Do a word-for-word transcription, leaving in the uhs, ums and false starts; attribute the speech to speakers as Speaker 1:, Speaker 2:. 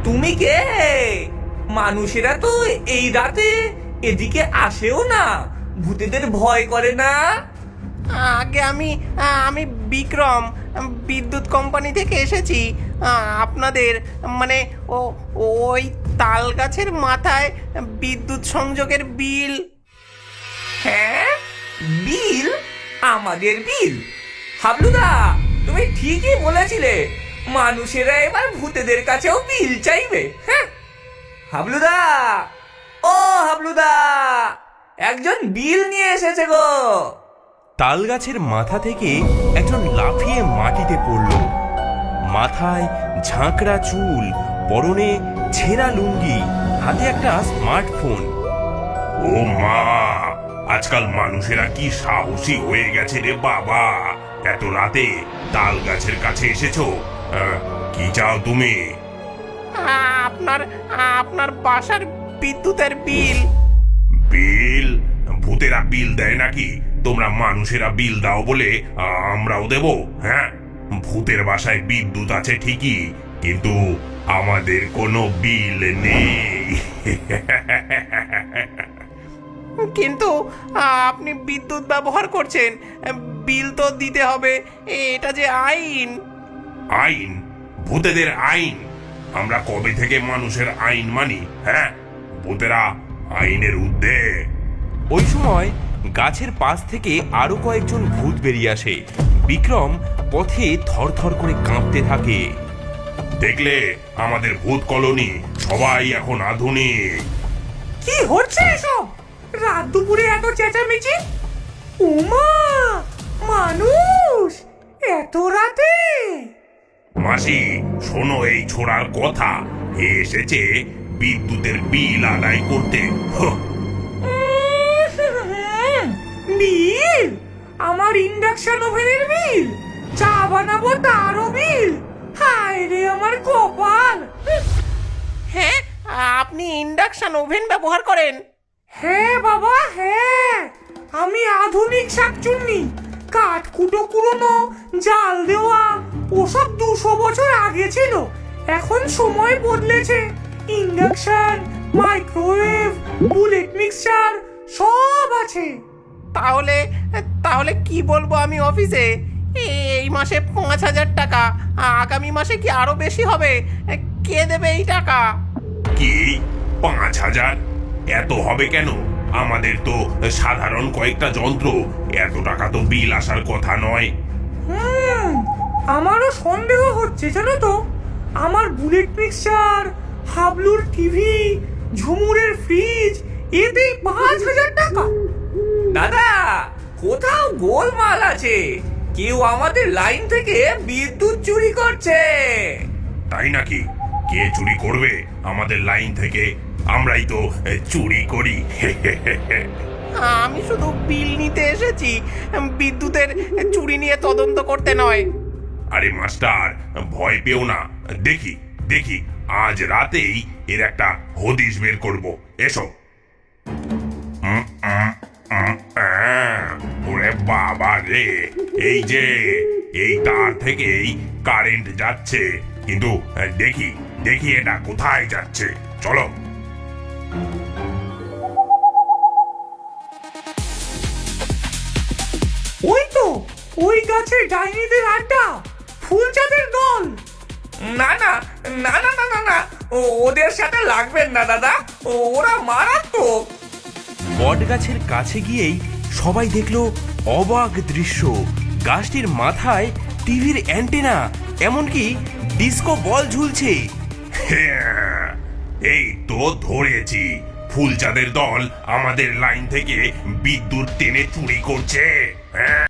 Speaker 1: তুমি কে? মানুষেরা তো এই রাতে এদিকে আসেও না, ভূতেদের ভয় করে না?
Speaker 2: আগে আমি আমি বিক্রম, বিদ্যুৎ কোম্পানি থেকে এসেছি। আপনাদের মানে ও ওই তাল গাছের মাথায় বিদ্যুৎ সংযোগের বিল।
Speaker 1: হ্যাঁ, বিল? আমাদের বিল? হাবলুদা, তুমি ঠিকই বলেছিলে, মানুষেরা এবার ভূতেদের কাছেও বিল চাইবে। হ্যাঁ হাবলুদা, ও হাবলুদা, একজন বিল নিয়ে এসেছে গো।
Speaker 3: তাল গাছের মাথা থেকে একজন লাফিয়ে মাটিতে পড়ল। মাথায় ঝাঁকড়া চুল, পরনে ছেঁড়া লুঙ্গি, হাতে একটা স্মার্টফোন।
Speaker 4: ও মা, আজকাল মানুষেরা কি সাহসী হয়ে গেছে রে বাবা! এত রাতে তাল গাছের কাছে এসেছো? আহ, কি চাও তুমি?
Speaker 2: আপনার আপনার বাসার বিদ্যুতের বিল।
Speaker 4: বিল? ভূতেরা বিল দেয় নাকি? তোমরা মানুষেরা বিল দাও বলে আমরাও দেব? হ্যাঁ, ভূতের বাসায় বিদ্যুৎ আছে ঠিকই, কিন্তু আমাদের কোনো বিল নেই।
Speaker 2: কিন্তু আপনি বিদ্যুৎ ব্যবহার করছেন, বিল তো দিতে হবে, এটা যে আইন।
Speaker 4: আইন? ভূতেদের আইন? আমরা কবে থেকে মানুষের আইন মানি? হ্যাঁ, ভূতেরা আইনের ঊর্ধ্বে।
Speaker 3: ওই সময় গাছের পাশ থেকে আরো কয়েকজন ভূত বেরিয়ে আসে। বিক্রম পথে থরথর করে কাঁপতে থাকে।
Speaker 4: দেখলে, আমাদের ভূত কলোনি সবাই এখন আধুনিক।
Speaker 1: কি হচ্ছে এসব? রাত দুপুরে এত চেঁচামেচি? উমা, মানুষ এত রাতে?
Speaker 4: মাসি, শোনো এই ছোড়ার কথা। এ এসেছে বিদ্যুতের বিল আদায় করতে। হ্যাঁ,
Speaker 1: উম, বিল? আমার ইন্ডাকশন ওভেনের বিল? চা বানাবো তারও বিল? হায় রে আমার কপাল!
Speaker 2: হ্যাঁ, আপনি ইন্ডাকশন ওভেন ব্যবহার করেন?
Speaker 1: হ্যাঁ বাবা, হ্যাঁ, আমি আধুনিক শাকচুন্নি। কাঠ কুটো কুড়োনো, জাল দেওয়া ওসব দুশো বছর আগে ছিল। এখন সময় বদলেছে, ইন্ডাকশন, মাইক্রোওয়েভ, বুলেট মিক্সচার সব আছে।
Speaker 2: তাহলে তাহলে কি বলবো আমি অফিসে? এই মাসে পাঁচ হাজার টাকা, আগামী মাসে কি আরো বেশি হবে? কে দেবে এই টাকা?
Speaker 4: কি পাঁচ হাজার? এত হবে কেন? আমাদের তো সাধারণ কয়েকটা যন্ত্র, এত টাকা তো বিল আসার কথা নয়।
Speaker 1: হুম, আমারও সন্দেহ হচ্ছে জানো তো। আমার বুলেট মিক্সচার, হাবলুর টিভি, ঝুমুরের ফ্রিজ, এতেই পাঁচ হাজার টাকা। দাদা, কোথাও গোলমাল আছে, কেউ আমাদের লাইন থেকে বিদ্যুৎ চুরি করছে।
Speaker 4: তাই নাকি? কে চুরি করবে আমাদের লাইন থেকে? আমরাই তো চুরি করি।
Speaker 2: আমি শুধু বিল নিতে এসেছি, বিদ্যুতের চুরি নিয়ে তদন্ত করতে নয়।
Speaker 4: আরে মাস্টার, ভয় পেও না। দেখি দেখি আজ রাতেই এর একটা হদিশ বের করব। এসো। উম, উম, উম, আহ, ওরে বাবা রে, এই যে এই তার থেকেই কারেন্ট যাচ্ছে, কিন্তু দেখি দেখি এটা কোথায় যাচ্ছে। চলো।
Speaker 1: ওই তো, ওই গাছে ডাইনিদের আড্ডা, ফুলচাঁদের দল। না না না না না না না, ও- ওদের সাথে লাগবেন না দাদা, ওরা মারাত্মক।
Speaker 3: বট গাছের কাছে গিয়েই সবাই দেখলো অবাক দৃশ্য। গাছটির মাথায় টিভির অ্যান্টেনা, এমনকি ডিস্কো বল ঝুলছে।
Speaker 4: হ্যাঁ, এই তো ধরেছি, ফুলচাঁদের দল আমাদের লাইন থেকে বিদ্যুৎ টেনে চুরি করছে। হ্যাঁ।